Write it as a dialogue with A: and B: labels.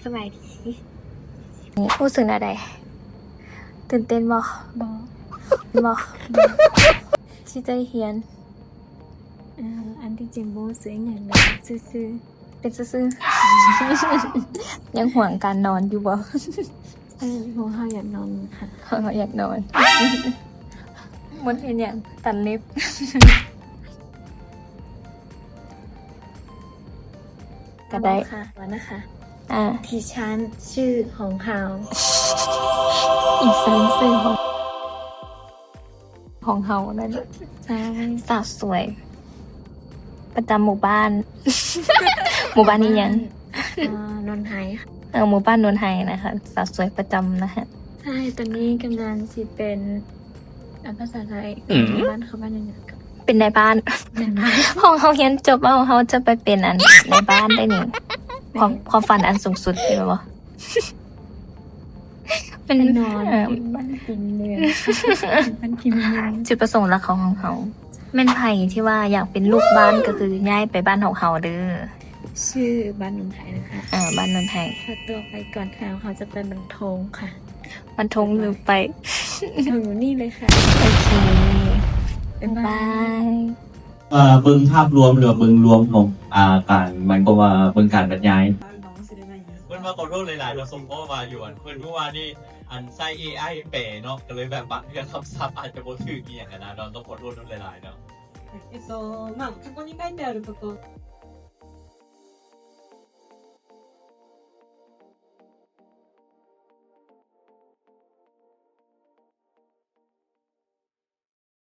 A: สบายดี
B: นี่รู้สึกอะไรตื่นเต้นบ่
A: บอ
B: ที่จะเฮียน
A: อันที่จริงโบซื้ออย่างเลยซื้อ
B: เป็นซื่อๆ ยังห่วงการนอนอยู่บ่
A: โบเขาอยากนอนค่ะ
B: อยากนอนมดเห็นอย่างตันเล็บ ก็ได้
A: ค่ะวันนะคะ ที่ชั้นชื่อของเฮา
B: อีกสันซื่อของเฮานั่น
A: ใช่
B: สาวสวย ประจำหมู่บ้าน หมู่บ้านนี้ยัง
A: นนท์ไฮค่ะ
B: หมู่บ้านนวลไฮนะคะสาวสวยประจำนะคะ
A: ใช่ตอนนี้กำลังสิเป็นภาษาไทยบ้านเขาบ้านยังไงกับ
B: เป็นในบ้าน ห้องเขาเรียนจบแล้วเขาจะไปเป็นอันในบ้านได้นี่ความฝันอันสูงสุดใช่ไหมวะ
A: เป็นนอนบ้านกินเมืองบ้านกินเมือง
B: จุดประสงค์หลักของเขาแม่นไผ่ที่ว่าอยากเป็นลูกบ้านก็คือย้ายไปบ้านของเขาเด้อ
A: ชื่อบ้านนนท์ไฮนะคะ
B: บ้านนนทไทย
A: ถ้าตัวไปก่อนค่ะเขาจะเป็นบรรทงค่ะ
B: มันทงหรือไป
A: ถึงอยู่นี่เลยค่ะ
B: โอเค
A: บ๊ายบา
B: บาย ย
C: เบิ่งภาพรวมหรือว่าเบิ่งรวมของการมันก็ว่าเบิ่งการบรรยายเพิ่นมาขอโทษหลายๆเราส่งข้อมาอยู่เพิ่นเมื่อวานนี่อันไส้ AI แปลเนาะก็เลยแบบบางเรื่องคำศัพท์อาจจะบ่ถูกอีหยังนะเราต้องขอโทษหลายๆเนาะ
D: まあ、過去に書いてあること